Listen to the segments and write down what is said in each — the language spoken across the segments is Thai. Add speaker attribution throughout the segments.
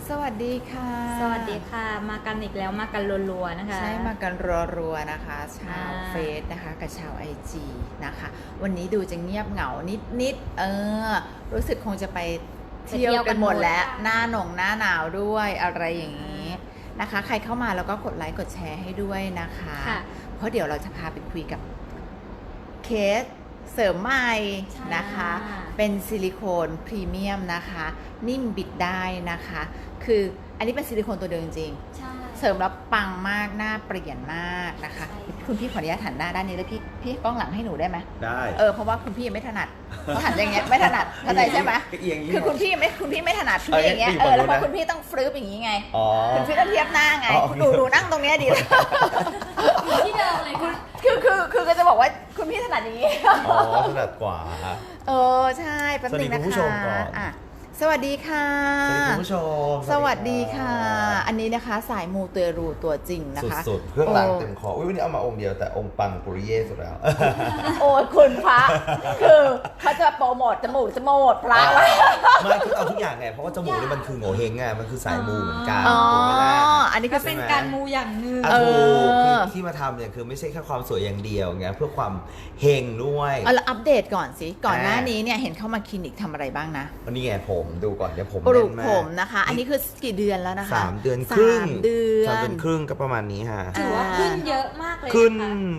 Speaker 1: สวัสดีค่ะ
Speaker 2: สวัสดีค่ะมากันอีกแล้วมากันรัวๆนะคะ
Speaker 1: ใช่มากันรัวๆนะคะชาวเฟซนะคะกับชาวIGนะคะวันนี้ดูจะเงียบเหงานิดรู้สึกคงจะไปเที่ยวกันหมดแล้วหน้าหนาวด้วยอะไรอย่างนี้นะคะใครเข้ามาแล้วก็กดไลค์กดแชร์ให้ด้วยนะคะเพราะเดี๋ยวเราจะพาไปคุยกับเคสเสริมใหม่นะคะเป็นซิลิโคนพรีเมียมนะคะนิ่มบิดได้นะคะคืออันนี้เป็นซิลิโคนตัวเดิมจริงเสริมแล้วปังมากหน้าเปลี่ยนมากนะคะคุณพี่ขออนุญาตหันหน้าด้านนี้แล้วพี่กล้องหลังให้หนูได้ไหม
Speaker 3: ได้
Speaker 1: เพราะว่าคุณพี่ยังไม่ถนัดเขาหันอย่างเงี้ยไม่ถนัดเข้าใจใช่ไหมคือคุณพี่ไม่ถนัดพี่อย่างเงี้ยแล้วพอคุณพี่ต้องฟลิปอย่างงี้ไงคุณพี่ต้องเทียบหน้าไงหนูนั่งตรงเนี้ยดีเลย
Speaker 2: ที่เดิมเลยค่ะ
Speaker 1: คือก็จะบอกว่าคุณพี่ถนัดอย่างงี้
Speaker 3: ถนัดกว่า
Speaker 1: ใช่แป๊บนึงนะคะสวัสดีค่ะ
Speaker 3: สวัสดีคุณผู้ชม
Speaker 1: สวัสดีค่ะอันนี้นะคะสายมูเตรูตัวจริงนะคะ
Speaker 3: สุดๆเครื่องรางเต็มคอวันนี้เอามาองค์เดียวแต่องค์ปังปุริเย่สุดแล้ว
Speaker 1: โอ้ยคุณพระคือเขาจะโปรโมทจมูกพระ
Speaker 3: ไม่คือเอาทุกอย่างไงเพราะว่าจมูกนี่มันคือโง่เฮงไงมันคือสายมูเหมือนกัน
Speaker 1: อันนี้ก็
Speaker 2: เป็นการมูอย่างหนึ่ง
Speaker 3: คือที่มาทำเนี่ยคือไม่ใช่แค่ความสวยอย่างเดียวไงเพื่อความเฮงด้วย
Speaker 1: เราอัปเดตก่อนสิก่อนหน้านี้เนี่ยเห็นเข้ามาคลินิกทำอะไรบ้างนะ
Speaker 3: วันนี้ไงผมดูก่อนเดี๋ยวผม
Speaker 1: ปลูกผมนะคะอันนี้คือกี่เดือนแล้วนะคะ
Speaker 3: 3 เดือนครึ่งก็ประมาณนี้ฮะ
Speaker 2: ถือว่าขึ้นเยอะมากเลย
Speaker 3: ขึ้น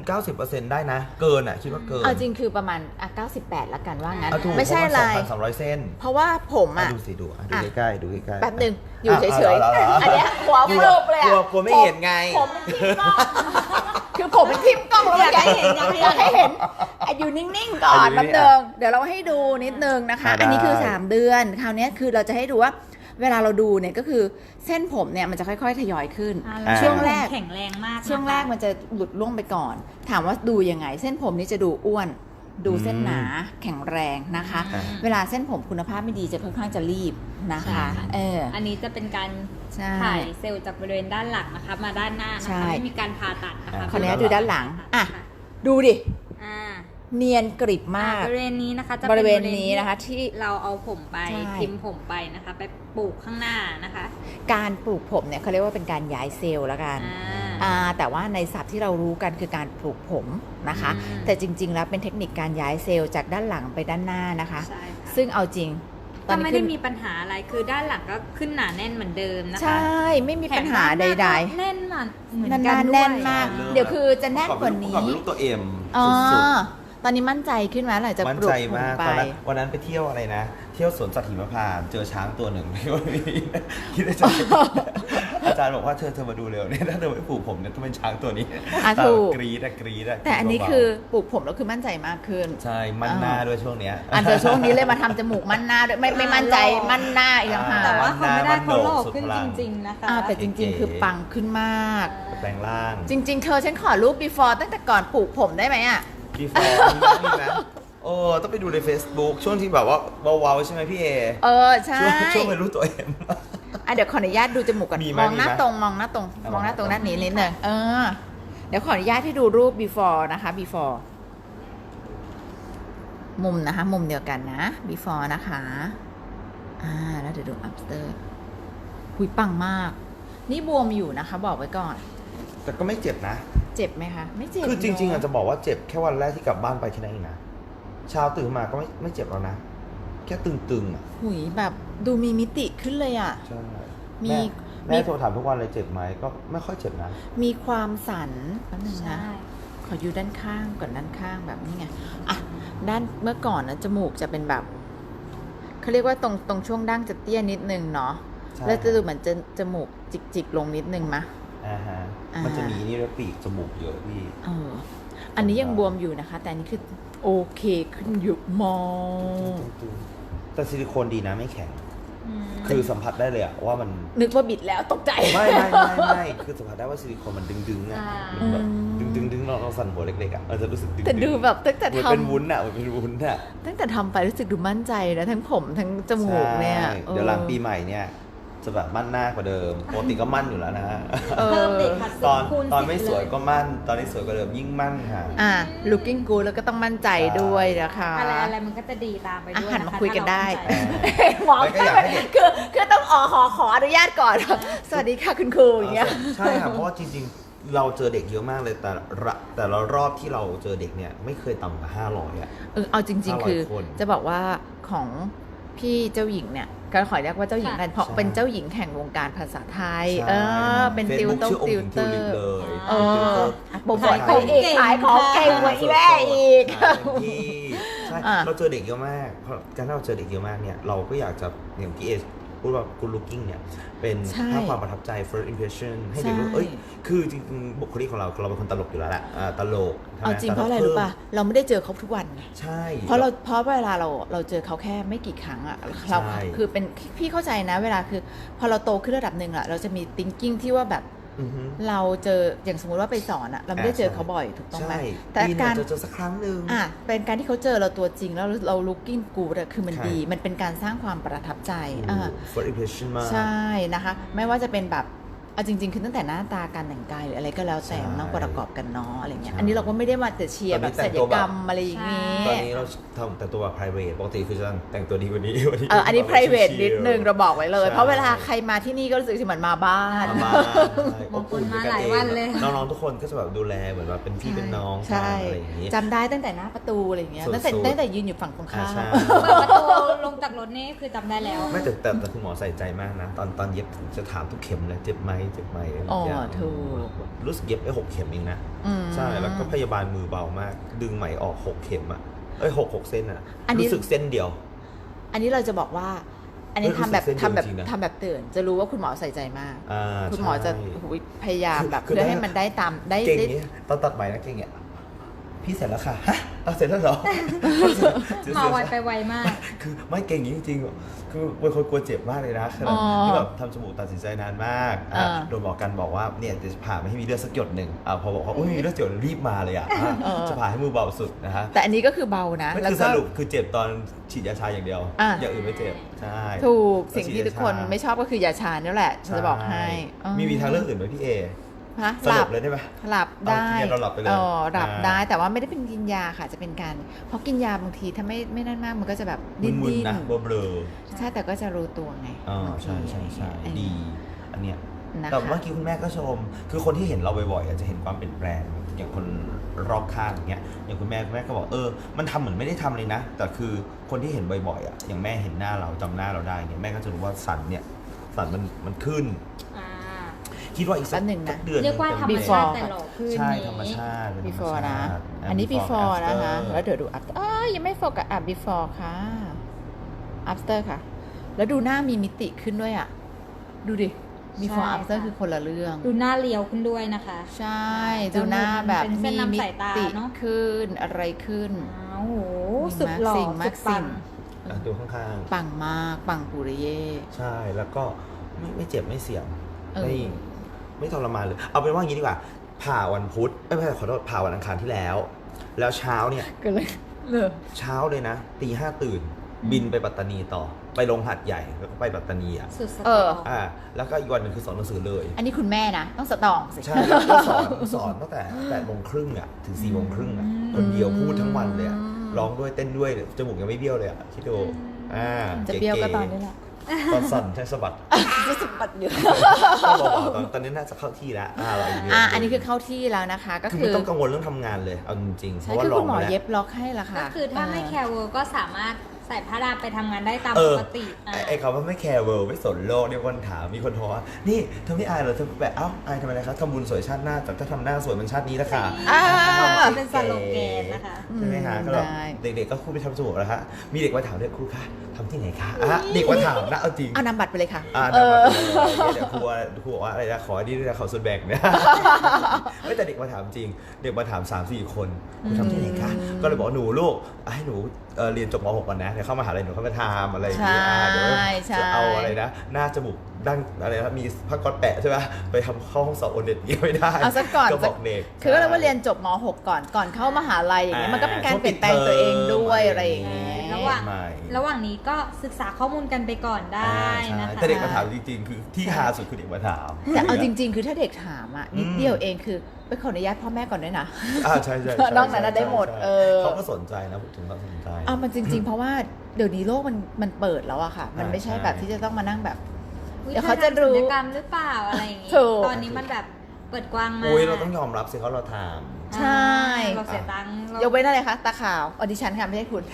Speaker 3: 90% ได้นะเกินคิดว่าเกิน
Speaker 1: เอาจริงคือประมาณ98ละกันว่างั้น
Speaker 3: ไม่ใช่อะไร 2,200 เส้น
Speaker 1: เพราะว่าผม
Speaker 3: ดูสิดูใกล้ๆดูใกล้
Speaker 1: ๆแป๊บนึงอยู่เฉยๆอันนี้หัวฟลุบเลย
Speaker 3: กลัวไม่เห็นไง
Speaker 1: ผมทิ่มกล้องคือผมเป็นทิ่มกล้องแล้วอยากให้เห็นอยู่นิ่งๆก่อนแป๊บนึงเดี๋ยวเราให้ดูนิดนึงนะคะอันนี้คือ3เดือนคราวนี้คือเราจะให้ดูว่าเวลาเราดูเนี่ยก็คือเส้นผมเนี่ยมันจะค่อยๆทยอยขึ้นช่วงแรก
Speaker 2: แข็งแรงมาก
Speaker 1: ช่วงแรกมันจะหลุดล่วงไปก่อนถามว่าดูยังไงเส้นผมนี่จะดูอ้วนดูเส้นหนาแข็งแรงนะคะเวลาเส้นผมคุณภาพไม่ดีจะค่อนข้างจะรีบนะคะ
Speaker 2: อันนี้จะเป็นการถ่ายเซลล์จากบริเวณด้านหลังนะคะมาด้านหน้านะคะไม่มีการผ่าตัดนะคะ
Speaker 1: ขออนุญาตดูด้านหลังดูดิเนียนกริบมาก
Speaker 2: บริเวณนี้นะคะจะ
Speaker 1: บริเวณนี้นะคะที่
Speaker 2: เราเอาผมไปทิมผมไปนะคะไปปลูกข้างหน้านะคะ
Speaker 1: การปลูกผมเนี่ยเขาเรียกว่าเป็นการย้ายเซลล์แล้วกันแต่ว่าในศัพท์ที่เรารู้กันคือการปลูกผมนะคะแต่จริงๆแล้วเป็นเทคนิคการย้ายเซลล์จากด้านหลังไปด้านหน้านะคะซึ่งเอาจริง
Speaker 2: ก็ไม่ได้มีปัญหาอะไรคือด้านหลังก็ขึ้นหนาแน่นเหมือนเดิมนะคะ
Speaker 1: ใช่ไม่มีปัญหาใด
Speaker 2: ๆแน่นมาก
Speaker 1: เหมือนกันแน่นมากเดี๋ยวคือจะแน่นกว่านี้
Speaker 3: เป็นรูปตัวเอ็ม
Speaker 1: สุดตอนนี้มั่นใจขึ้นไหมหลังจากปลูกผมไป
Speaker 3: วันนั้นไปเที่ยวอะไรนะเที่ยวสวนสัตว์หิมพานต์เจอช้างตัวหนึ่งไม่ว่าคิดในใจอาจารย์บอกว่าเธอมาดูเร็วเนี่ยถ้าเธอไม่ปลูกผมเนี่ยต้องเป็นช้างตัวนี้
Speaker 1: ถูก
Speaker 3: กรี๊ด
Speaker 1: แต่อันนี้คือปลูกผมแล้วคือมั่นใจมากขึ้น
Speaker 3: ใช่มั่นหน้าด้วยช่วงเนี้ย
Speaker 1: แต่ช่วงนี้เลยมาทำจมูกมั่นหน้าด้วยไม่มั่นใจมั่นหน้าอีกแล้วค่ะ
Speaker 2: แต่ว่าเขาไม่ได้เขาหล่อขึ้นจริงๆนะคะ
Speaker 1: แต่จริงๆคือปังขึ้นมาก
Speaker 3: แปลงร่าง
Speaker 1: จริงๆเธอฉันขอรูป before ตั้งแต่ก่อนปลูกผมได้ไหม
Speaker 3: before มีไหมต้องไปดูใน Facebook ช่วงที่แบบว่าเบาๆใช่ไหมพี่เอ
Speaker 1: ใช่
Speaker 3: ช่วงเป็นรู้ตัวเอง
Speaker 1: เดี๋ยวขออนุญาตดูจมูกก่อนมองหน้าตรงด้านนี้นิดนึงเดี๋ยวขออนุญาตให้ดูรูป before นะคะ before มุมนะคะมุมเดียวกันนะ before นะคะแล้วเดี๋ยวดู after หุยปังมากนี่บวมอยู่นะคะบอกไว้ก่อน
Speaker 3: แต่ก็ไม่เจ็บนะ
Speaker 1: เจ็บไหมคะไม่เจ็บ
Speaker 3: คือจริงๆอาจจะบอกว่าเจ็บแค่วันแรกที่กลับบ้านไปแค่นั้นเองนะเช้าตื่นมาก็ไม่เจ็บแล้วนะแค่ตึง
Speaker 1: หุยแบบดูมีมิติขึ้นเลย
Speaker 3: ใช่แม่โทรถามทุกวันเลยเจ็บไหมก็ไม่ค่อยเจ็บนะ
Speaker 1: มีความสั่นนิดนึงนะขออยู่ด้านข้างก่อนด้านข้างแบบนี้ไงด้านเมื่อก่อนนะจมูกจะเป็นแบบเขาเรียกว่าตรงช่วงดั้งจะเตี้ยนิดนึงเนาะแล้วจะดูเหมือนจมูกจิกลงนิดนึงมะ
Speaker 3: มันจะมีนี่แล้วปีกจมูกเยอะพี่
Speaker 1: อันนี้ยังบวมอยู่นะคะแต่อันนี้คือโอเคขึ้นอยู่มอง
Speaker 3: แต่ซิลิโคนดีนะไม่แข็งคือสัมผัสได้เลยว่ามัน
Speaker 1: นึกว่าบิดแล้วตกใจ
Speaker 3: ไม่คือสัมผัสได้ว่าซิลิโคนมันดึงมันแบบดึงเราสั่นหัวเล็กๆจะรู้สึกดึง
Speaker 1: แต่ดูแบบตั้งแต่ทำ
Speaker 3: เป็นวุ้นมันเป็นวุ้น
Speaker 1: ตั้งแต่ทำไปรู้สึกดูมั่นใจนะทั้งผมทั้งจมูกเนี่ย
Speaker 3: เดี๋ยวหลังปีใหม่เนี่ยจะแบบมั่นหน้ากว่าเดิมปกติก็มั่นอยู่แล้วนะ
Speaker 2: เพิ่มเด็กค่ะ
Speaker 3: ตอน
Speaker 2: คูณ
Speaker 3: ตอน
Speaker 2: 10
Speaker 3: ไม่สวย
Speaker 2: เลย
Speaker 3: ก็มั่น ตอนนี้สวยกว่าเดิมยิ่งมั่นค่ะ
Speaker 1: looking good แล้วก็ต้องมั่นใจด้วยนะคะ
Speaker 2: อะไรมันก็จะดีตามไปด้วย
Speaker 1: หัน
Speaker 2: นะ
Speaker 1: มา
Speaker 2: คะ
Speaker 1: คุยกันได้
Speaker 2: ถ้าเรามั่นใจ
Speaker 1: หมอ
Speaker 3: ไม่ก็อยากให้เด็ก
Speaker 1: คือต้องขออนุญาตก่อน สวัสดีค่ะคุณครูอย่างเงี้ย
Speaker 3: ใช่ค่ะเพราะว่าจริงๆ เราเจอเด็กเยอะมากเลยแต่ละรอบที่เราเจอเด็กเนี่ยไม่เคยต่ำกว่า500อ่ะ
Speaker 1: เอาจริง ๆ คือ
Speaker 3: 500 คน
Speaker 1: จะบอกว่าของพี่เจ้าหญิงเนี่ยก็ขอเรียกว่าเจ้าหญิงกันเพราะ
Speaker 3: ใช่
Speaker 1: เป็นเจ้าหญิงแห่งวงการภาษาไทย
Speaker 3: ใช่
Speaker 1: เป็นติว
Speaker 3: Facebook
Speaker 1: เตอ
Speaker 3: ชื่
Speaker 1: ร์
Speaker 3: อ
Speaker 1: ติวเตอ
Speaker 3: องค์หญิง
Speaker 1: ร์
Speaker 3: เลย
Speaker 1: เออโปรโมท
Speaker 2: ขายของ
Speaker 1: อีก
Speaker 2: เก่ง
Speaker 1: ขายของเก่งกว่าอีแม่อีก
Speaker 3: ใช่เต็มที่ใช่
Speaker 1: อ่ะ
Speaker 3: เราเจอเด็กเยอะมากเพราะการที่เราเจอเด็กเยอะมากเนี่ยเราก็อยากจะอย่างที่เอพูดว่า good looking เนี่ยเป็น
Speaker 1: ใช่
Speaker 3: ภาพความประทับใจ first impression ให้เด็กรู้
Speaker 1: ใช่
Speaker 3: เอ้ยคือจริงๆบุคลิกของเราเป็นคนตลกอยู่แล้วแหละตลกใช่ไหม
Speaker 1: เอาจริงเพราะอะไร
Speaker 3: แต่
Speaker 1: รู้ป่ะเราไม่ได้เจอเขาทุกวันไง
Speaker 3: ใช่
Speaker 1: เพราะเวลาเราเจอเขาแค่ไม่กี่ครั้งอะเรา
Speaker 3: ใช่
Speaker 1: คือเป็นพี่เข้าใจนะเวลาคือ พอเราโตขึ้นระดับหนึ่งอะเราจะมี thinking ที่ว่าแบบ
Speaker 3: อือฮึ
Speaker 1: เราเจออย่างสมมุติว่าไปสอนอะเราไม่ได้เจอเขาบ่อยถูกต้องไหม
Speaker 3: ใช่
Speaker 1: แต่
Speaker 3: ปีหนึ่ง
Speaker 1: การ
Speaker 3: จะเจอสักครั้งหนึ่ง
Speaker 1: เป็นการที่เขาเจอเราตัวจริงแล้วเรา looking good อะคือมัน
Speaker 3: ใช่
Speaker 1: ดี มันเป็นการสร้างความประทับใจ
Speaker 3: first impression มาก
Speaker 1: ใช่นะคะ ไม่ว่าจะเป็นแบบเอาจริง ๆ คือตั้งแต่หน้าตาการแต่งกายหรืออะไรก็แล้วแต่
Speaker 3: ใช่
Speaker 1: มันต้องประกอบกันเนาะอะไรเงี้ย
Speaker 3: ใช่
Speaker 1: อันนี้เราก็ไม่ได้มาแต่เชียร์
Speaker 3: ตอน
Speaker 1: แบ
Speaker 3: นี้
Speaker 1: บ
Speaker 3: แต่
Speaker 1: ศั
Speaker 3: ง
Speaker 1: ล
Speaker 3: ตั
Speaker 1: ยว
Speaker 3: แบบ
Speaker 1: กรรมอะไรอย่างงี้
Speaker 3: ตอนนี้เราทำแต่งตัวแบบ private ปกติคือจะแต่งตัวดีกว่านี้
Speaker 1: อันนี้ private นิดนึงเราบอกไว้เลย
Speaker 3: ใช่
Speaker 1: เพราะเวลาใครมาที่นี่ก็รู้สึกเหมือนมาบ้าน
Speaker 3: มา
Speaker 2: บางคนมาหลายวันเลย
Speaker 3: น้องๆทุกคนก็จะแบบดูแลเหมือนแบบเป็นพี่เป็นน้อง
Speaker 1: ใช่
Speaker 3: อะไรอย่างนี้
Speaker 1: จำได้ตั้งแต่หน้าประตูอะไรอย่างเงี้ย
Speaker 3: สุดๆ
Speaker 1: ตั้งแต่ยืนอยู่ฝั่งตรงข้าม
Speaker 3: ใช่
Speaker 2: เปิดประตูลงจากรถนี่คือจำได้แล้ว
Speaker 3: ไม่แต่คุณหมอใส่ใจมากนะ ตอนเย็บจะถามทุกเข็มเลยเจ็บไหมเจ็บไหม
Speaker 1: อ๋อ
Speaker 3: อย่าง
Speaker 1: ถูก
Speaker 3: รู้สึกเย็บไป6 เข็มเองนะ
Speaker 1: อืม
Speaker 3: ใช่แล้วก็พยาบาลมือเบามาก ดึงไหมออก6 เข็มอ่ะ6 เส้นอ่ะ
Speaker 1: อันนี้
Speaker 3: รู้สึกเส้นเดียว
Speaker 1: อันนี้เราจะบอกว่า อันนี้
Speaker 3: เฮ้ย
Speaker 1: ทำแบบ
Speaker 3: รู้สึกเส้นเดียวจริงๆนะ
Speaker 1: ทำแบบตื่น จะรู้ว่าคุณหมอใส่ใจมาก คุณหมอจะ
Speaker 3: ใช่
Speaker 1: หูยพยายามแบบ
Speaker 3: คือ
Speaker 1: เพื่อให้มันได้ตามได้
Speaker 3: เก่ง
Speaker 1: ได้
Speaker 3: เนี้ยตอนตัดไหมนะเก่งเนี้ยพี่เสร็จแล้วค่ะฮะเอาเสร็จแล้วเหรอ
Speaker 2: มาไวไปไวมาก
Speaker 3: คือไม่เก่งอย่างนี้จริงๆคือเป็นคนกลัวเจ็บมากเลยนะข
Speaker 1: อ๋
Speaker 3: นาด
Speaker 1: อ
Speaker 3: ที่แบบทำจมูกตัดสินใจนานมาก โดนหมอกันบอกว่าเนี่ยจะผ่าไม่ให้มีเลือดสักหยดหนึ่งพอบอกว่าอุ้ยมีเลือดหยดรีบมาเลยจะผ่าให้มือเบาสุดนะฮะ
Speaker 1: แต่อันนี้ก็คือเบานะ
Speaker 3: ไม่
Speaker 1: แล้ว
Speaker 3: คือ
Speaker 1: ก็
Speaker 3: สรุปคือเจ็บตอนฉีดยาชาอย่างเดียว อย่างอื่นไม่เจ็บใช่
Speaker 1: ถูก
Speaker 3: แล้ว
Speaker 1: สิ่งที่
Speaker 3: ฉีด
Speaker 1: ทุกคน
Speaker 3: ยาชา
Speaker 1: ไม่ชอบก็คือยาชานี่แหละฉันจะบอกให้
Speaker 3: ช่มีทางเลือกอื่นไหมพี่เอ
Speaker 1: ฮะ
Speaker 3: สรุปเลยได้ไหม
Speaker 1: หลับได้
Speaker 3: เอากินยาเราหลับไปเลย
Speaker 1: หลับได้แต่ว่าไม่ได้เป็นกินยาค่ะจะเป็นการเพราะกินยาบางทีถ้าไม่นั่นมากมันก็จะแบบดิ้น
Speaker 3: มึน
Speaker 1: ดิ้น
Speaker 3: ๆนะเบลอ
Speaker 1: ใช่แต่ก็จะรู้ตัวไง
Speaker 3: ๆ
Speaker 1: บางที
Speaker 3: ใช่
Speaker 1: อะไรอย่าง
Speaker 3: ดี
Speaker 1: เงี้ย
Speaker 3: อันเนี้ย
Speaker 1: นะคะ
Speaker 3: แต่เมื่อกี้คุณแม่ก็ชม คือคนที่เห็นเราบ่อยๆจะเห็นความเปลี่ยนแปลงอย่างคนรอบข้างอย่างเงี้ยอย่างคุณแม่ก็บอกมันทำเหมือนไม่ได้ทำเลยนะ แต่คือคนที่เห็นบ่อยๆอย่างแม่เห็นหน้าเราจำหน้าเราได้เนี่ยแม่ก็จะรู้ว่าสันมันขึ้น
Speaker 2: อ่า
Speaker 3: คิดว่าอีกสั
Speaker 1: แป๊
Speaker 3: ก
Speaker 1: บหนึ่งนะ
Speaker 3: เดือน
Speaker 2: เรียกว่าธรรม
Speaker 1: Before
Speaker 2: ชาติแต่หล่อขึ้น
Speaker 3: ใช่
Speaker 2: นี้
Speaker 3: ธรรมชาติเป็นธรรม
Speaker 1: before นะ
Speaker 3: ชาติ
Speaker 1: อันนี้ before นะคะ
Speaker 3: after
Speaker 1: แล้วเดี๋ยวดู after ยังไม่โฟกัสbefore ค่ะ after ค่ะ แล้วดูหน้ามีมิติขึ้นด้วยอ่ะ ดูดิ before
Speaker 2: ใช่
Speaker 1: after
Speaker 2: ค่ะ
Speaker 1: คือคนละเรื่อง
Speaker 2: ดูหน้าเรียวขึ้นด้วยนะคะ
Speaker 1: ใช่ ดูหน้าแบบ
Speaker 2: เป็นเส้น
Speaker 1: มี
Speaker 2: นำ
Speaker 1: มิ
Speaker 2: สายตา
Speaker 1: ติ
Speaker 2: เนอะ
Speaker 1: ขึ้นอะไรขึ้น
Speaker 2: อ้าวโหสุดหล่อ
Speaker 1: สิ่ง
Speaker 2: สุ
Speaker 1: มาก
Speaker 2: ดปั
Speaker 1: สิ่
Speaker 2: ง
Speaker 1: ง
Speaker 3: ดูข้าง
Speaker 1: ปังมาก ปังปุริเย่
Speaker 3: ๆ ใช่แล้วก็ไม่เจ็บไม่เสี่ยง
Speaker 1: เออ
Speaker 3: ไม่ทรมานเลย เอาเป็นว่างี้ดีกว่า ผ่าวันพุธไม่ใช่ขอโทษผ่าวันอังคารที่แล้ว แล้วเช้าเนี่ย
Speaker 1: ก็เลยเลย
Speaker 3: เช้าเลยนะตี 5ตื่น บินไปปัตตานีต่อ ไปลงหัดใหญ่แล้วก็ไปปัตตานีอ่ะ
Speaker 2: สุดสต
Speaker 1: เออ
Speaker 3: แล้วก็อีกวันหนึงคือสอนหนังสือเลย
Speaker 1: อันนี้คุณแม่นะ ต้องสตรองสิ
Speaker 3: ใช่แล้วก็สอนตั้งแต่8:30อ่ะถึง4:30อ่ะคนเดียวพูดทั้งวันเลยอะร้องด้วยเต้นด้วยจมูกยังไม่เบี้ยวเลยอ่ะคิดดู
Speaker 1: จะเบี้ยวก็ตอน
Speaker 3: นี้
Speaker 1: นี้แหละ
Speaker 3: ตอนสั่นใช่สะบัด
Speaker 1: จะสะบัดอยู่
Speaker 3: ต้องเบาๆตอนนี้น่าจะเข้าที่แล้วเราอีกเดื
Speaker 1: อันนี้คือเข้าที่แล้วนะคะ ก็
Speaker 3: คือ
Speaker 1: คื
Speaker 3: ไม่
Speaker 1: อ
Speaker 3: ต้องกังวลเรื่องทำงานเลยเอาจริงๆเพ
Speaker 1: ใช่
Speaker 3: ราะว่า
Speaker 1: คือ
Speaker 3: ลอ
Speaker 1: คุ
Speaker 3: ง
Speaker 1: ณหมอ
Speaker 3: มาแล้ว
Speaker 1: เย็บล็อกให้ละค่ะ
Speaker 2: ก็คือถ้าไม่แคร์เวิร์ก็สามารถใส่ผ้าดามไปทำงานได้ตามปกติ
Speaker 3: ไอ้คำว่าไม่แคร์เวิลด์ไม่สนโลกเนี่ยคนถามมีคนโทรว่านี่เธอไม่อายเหรอเธอแบบอายทำไมนะครับทำบุญสวยชาติหน้าแต่ถ้าทำหน้าสวยมันชาตินี้ละค่ะ
Speaker 2: เป็นสโลแกนนะคะ
Speaker 3: ใช่ไหมฮะก็แบบ
Speaker 1: ได้
Speaker 3: เด็กๆก็ครูไปทำจมูกแล้วฮะมีเด็กมาถามด้วยครูคะทำที่ไหนคะเด็กมาถามนะเอาจริง
Speaker 1: เอานำบัตรไปเลยค่ะ
Speaker 3: เดี๋ยวครูบอกว่าอะไรนะขออันนี้ด้วยนะขอส่วนแบ่งเนี่ยไม่แต่เด็กมาถามจริง เด็กมาถาม 3-4 คนครูทำที่ไหนคะก็เลยบอกหนูลูกให้หนูเรียนจบม .6 ก่อนนะเดี๋ยวเข้ามหาลัยหนูเข้ามาทำอะไรอย่างเงี้ยเดี๋ยวจะเอาอะไรนะหน้าจมูกดั้งอะไรนะมีผ้าก๊อซแปะใช่ไหมไปทำเข้าห้องสอบโอเน็ตเงี้ยไม่ได้
Speaker 1: เอาซะก่อน
Speaker 3: ก็บอกเด็ก
Speaker 1: คือก็เลยว่าเรียนจบม .6 ก่อนเข้ามหาลัยอย่างเงี้ยมันก็เป็นการเปลี่ยนแปลงตัวเองด้วยอะไรอย่างเงี้ย
Speaker 2: ระหว่างนี้ก็ศึกษาข้อมูลกันไปก่อนได้นะคะ
Speaker 3: แต่เด็กมาถามจริงๆคือที่ฮาสุดคือเด็กมาถาม
Speaker 1: แต่เอาจริง ๆ คือถ้าเด็กถามอ่ะนิดเดียวเองคือไปขออนุญาตพ่อแม่ก่อนด้วยนะ
Speaker 3: ใช่
Speaker 1: นอกนั้นได้หมด
Speaker 3: เขาก็สนใจนะถึงเขาสนใจ
Speaker 1: มันจริง ๆ เพราะว่าเดี๋ยวนี้โลกมันเปิดแล้วอะค่ะ มันไม่ใช่แบบที่จะต้องมานั่งแบบเดี๋ยวเขาจะรู้
Speaker 2: ศัลยกรรมหรือเปล่าอะไรอย่างงี้ตอนนี้มันแบบเปิดกว้างมาก
Speaker 3: เราต้องยอมรับสิเขาเราถาม
Speaker 1: ใช่
Speaker 2: เราเสียตังค์
Speaker 1: ยกเว้นอะไรคะตาขาวออดิชั่นค่ะไม่ใช่คุณ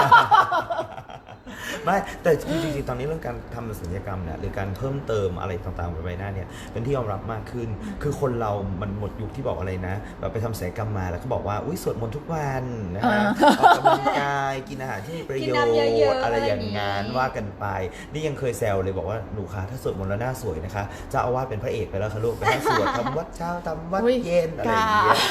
Speaker 3: ไม่แต่จริงๆตอนนี้เรื่องการทำศัลยกรรมเนี่ยหรือการเพิ่มเติมอะไรต่างๆบนใบหน้าเนี่ยเป็นที่ยอมรับมากขึ้นคือคนเรามันหมดยุคที่บอกอะไรนะแบบไปทำศัลยกรรมมาแล้วก็บอกว่าอุ้ยสวดมนต์ทุกวันนะฮะออกกำลังกายกินอาหารที่มีประโยชน์อะไรอย่างงั้นว่ากันไปนี่ยังเคยแซวเลยบอกว่าหนูคะถ้าสวดมนต์แล้วหน้าสวยนะคะเจ้าอาวาสเป็นพระเอกไปแล้วค่ะลูกไปนั่งสวดทำวัดเช้าทำวัดเย็นอะไรอย่างเงี้ย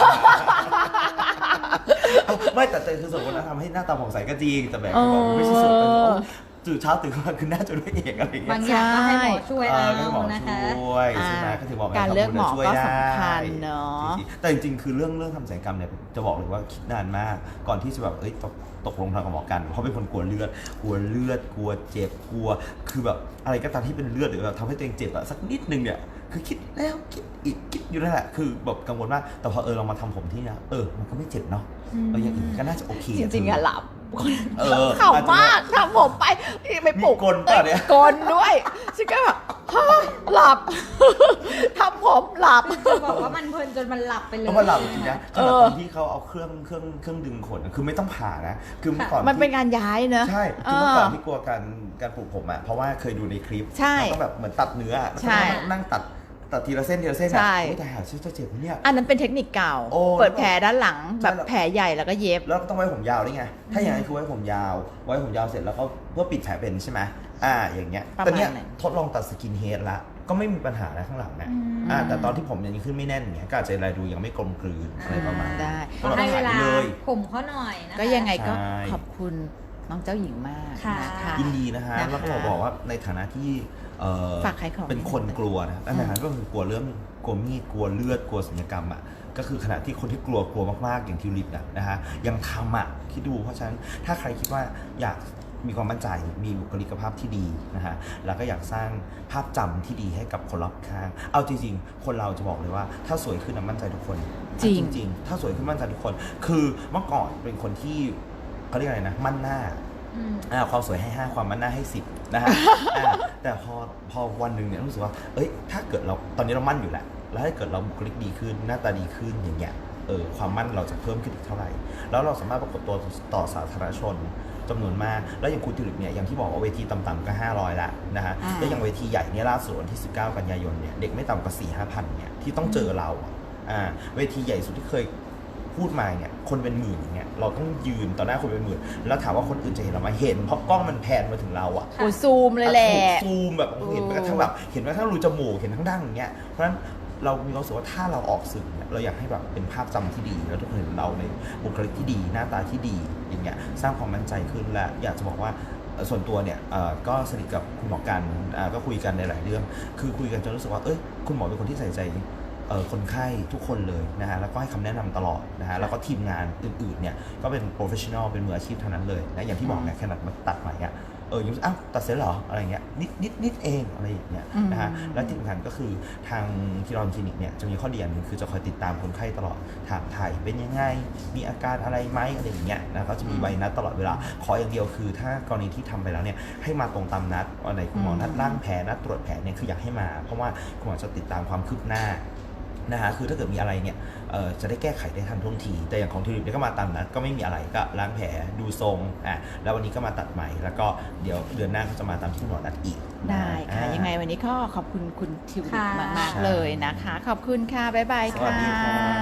Speaker 3: ไม่แต่คือสวดมนต์แล้วทำให้หน้าตาผ่องใสก็จริงแต่แบบบอกไม่ใช่สวดเป็นตื่นเช้าตื่นมาคือน่าจะด้วยเอกอะไรอย่างเงี้ย
Speaker 2: บางอย่างก็ให้หมอช่วยเอานะคะ
Speaker 3: ช่วยใช่ไหมก็ถือบอก
Speaker 1: การเลือกหมอก็สำคัญเนาะ
Speaker 3: แต่จริงๆคือเรื่องทำศัลยกรรมเนี่ยจะบอกเลยว่าคิดนานมากก่อนที่จะแบบตกลงทางกับหมอกันเพราะเป็นคนกลัวเลือดกลัวเจ็บกลัวคือแบบอะไรก็ตามที่เป็นเลือดหรือแบบทำให้ตัวเองเจ็บอะสักนิดนึงเนี่ยคือคิดแล้วคิดอีกคิดอยู่นั่นแหละคือแบบกังวลมากแต่พอเรามาทำผมที่เนี่ยมันก็ไม่เจ็บเนาะอย่างอื่นก็น่าจะโอเค
Speaker 1: จริงๆอะหลับขำมากทำผมไปไม่ปลุก
Speaker 3: กลป่ะเนี่ย
Speaker 1: กลด้วยฉันก็แบบหลับทำผมหลับ
Speaker 2: จะบอกว่ามันเพลินจนมันหลับไปเลย
Speaker 3: มันหลับจริงๆนะขณะตอนที่เขาเอาเครื่องดึงขนคือไม่ต้องผ่านะคือเมื่อก่อน
Speaker 1: มันเป็นการย้ายเนอะ
Speaker 3: ใช่คือเมื่อก่อนที่กลัวการปลูกผมอ่ะเพราะว่าเคยดูในคลิปต้องแบบเหมือนตัดเนื้อนั่งตัดทีละเส้น
Speaker 1: ใช่
Speaker 3: แต่หาชื่อเจ็บเนี่ย
Speaker 1: อันนั้นเป็นเทคนิคเก่าเปิดแผลด้านหลังแบบแผลใหญ่แล้วก็เย็บ
Speaker 3: แล้วต้องไว้ผมยาวได้ไงถ้าอย่างนั้นคือไว้ผมยาวเสร็จแล้วก็เพื่อปิดแผลเป็นใช่ไหมอย่างเงี้ยแต่เนี้ยทดลองตัดสกินเฮดละก็ไม่มีปัญหาอะไรข้างหลังนะแต่ตอนที่ผมยังขึ้นไม่แน่นเงี้ยก็อาจจะรายดูยังไม่กลมกลืนอะไรประมาณ
Speaker 1: ได้
Speaker 2: ให้เวลาผมเขาหน่อยนะคะ
Speaker 1: ก็ยังไงก็ขอบคุณน้องเจ้าหญิงมากนะคะ
Speaker 3: ยินดีนะฮะแล้วก็บอกว่าในฐานะที่
Speaker 1: ฝากขายของ
Speaker 3: เป็นคนกลัวนะอันนั้นก็คือกลัวเรื่องกลัวมีดกลัวเลือดกลัวศัลยกรรมอ่ะก็คือขณะที่คนที่กลัวมากๆอย่างทิวลิปนะฮะยังทำอ่ะคิดดูเพราะฉะนั้นถ้าใครคิดว่าอยากมีความมั่นใจมีบุคลิกภาพที่ดีนะฮะแล้วก็อยากสร้างภาพจำที่ดีให้กับคนรอบข้างเอาจริงๆคนเราจะบอกเลยว่าถ้าสวยขึ้นมั่นใจทุกคนจริงถ้าสวยขึ้นมั่นใจทุกคนคือเมื่อก่อนเป็นคนที่เขาเรียกอะไรนะมั่นหน้าความสวยให้5ความมั่นหน้าให้10นะฮะแต่พอวันหนึ่งเนี่ยรู้สึกว่าถ้าเกิดเราตอนนี้เรามั่นอยู่แหละแล้วถ้าเกิดเราบุคลิกดีขึ้นหน้าตาดีขึ้นอย่างเงี้ยความมั่นเราจะเพิ่มขึ้นอีกเท่าไหร่แล้วเราสามารถปรากฏตัวต่อสาธารณชนจำนวนมากแล้วอย่างคุณทิวลิปเนี่ยอย่างที่บอกว่าเวทีต่ำๆก็500ละนะฮะแล้วอย่างเวทีใหญ่เนี่ยล่าสุดวันที่19กันยายนเนี่ยเด็กไม่ต่ำกว่า 4-5,000 เนี่ยที่ต้องเจอเราเวทีใหญ่สุดที่เคยพูดมาเนี่ยคนเป็นหมื่นอย่างเงี้ยเราต้องยืนต่อหน้าคนเป็นหมื่นแล้วถามว่าคนอื่นจะเห็นเราไหมเห็นเพราะกล้องมันแพนมาถึงเรา
Speaker 1: โอ้ซูมเลยแหละ
Speaker 3: ซูมแบบเห็นไปกระทั่งแบบเห็นแม้กระทั่งรูจมูกเห็นทั้งดั้งอย่างเงี้ยเพราะฉะนั้นเรามีความรู้สึกว่าถ้าเราออกสื่อเนี่ยเราอยากให้แบบเป็นภาพจำที่ดีแล้วทุกคนเห็นเราในบุคลิกที่ดีหน้าตาที่ดีอย่างเงี้ยสร้างความมั่นใจขึ้นและอยากจะบอกว่าส่วนตัวเนี่ยก็สนิทกับคุณหมอกันก็คุยกันในหลายเรื่องคือคุยกันจนรู้สึกว่าคุณหมอเป็นคนที่ใส่ใจคนไข้ทุกคนเลยนะฮะแล้วก็ให้คำแนะนำตลอดนะฮะแล้วก็ทีมงานอื่นๆเนี่ยก็เป็นโปรเฟชชั่นอลเป็นมืออาชีพเท่านั้นเลยนะอย่างที่บอกเนี่ยขนาดมาตัดใหม่อ่ะยังตัดเสร็จเหรออะไรเงี้ยนิดเองอะไรอย่างเงี้ยนะฮะและที่สำคัญก็คือทางคิรอนคลินิกเนี่ยจะมีข้อดีอย่างนึงคือจะคอยติดตามคนไข้ตลอดถามถ่ายเป็นยังไงมีอาการอะไรไหมอะไรอย่างเงี้ยนะก็จะมีใบนัดตลอดเวลาขออย่างเดียวคือถ้ากรณีที่ทำไปแล้วเนี่ยให้มาตรงตามนัดวันไหนคุณหมอนัดล้างแผลนัดตรวจแผลเนี่ยคืออยากให้มาเพราะว่าคุณหมอจะติดตามความคืบหน้านะฮะคือถ้าเกิดมีอะไรเนี่ยจะได้แก้ไขได้ทันท่วงทีแต่อย่างของทิวลิปเนี่ยก็มาตามนัดก็ไม่มีอะไรก็ล้างแผลดูทรงแล้ววันนี้ก็มาตัดใหม่แล้วก็เดี๋ยวเดือนหน้าก็จะมาตามที่หมอนัดอีก
Speaker 1: ได้ค่ะยังไงวันนี้ก็ขอบคุณคุณทิวลิปมากๆเลยนะคะขอบคุณค่ะบ๊ายบายค่ะ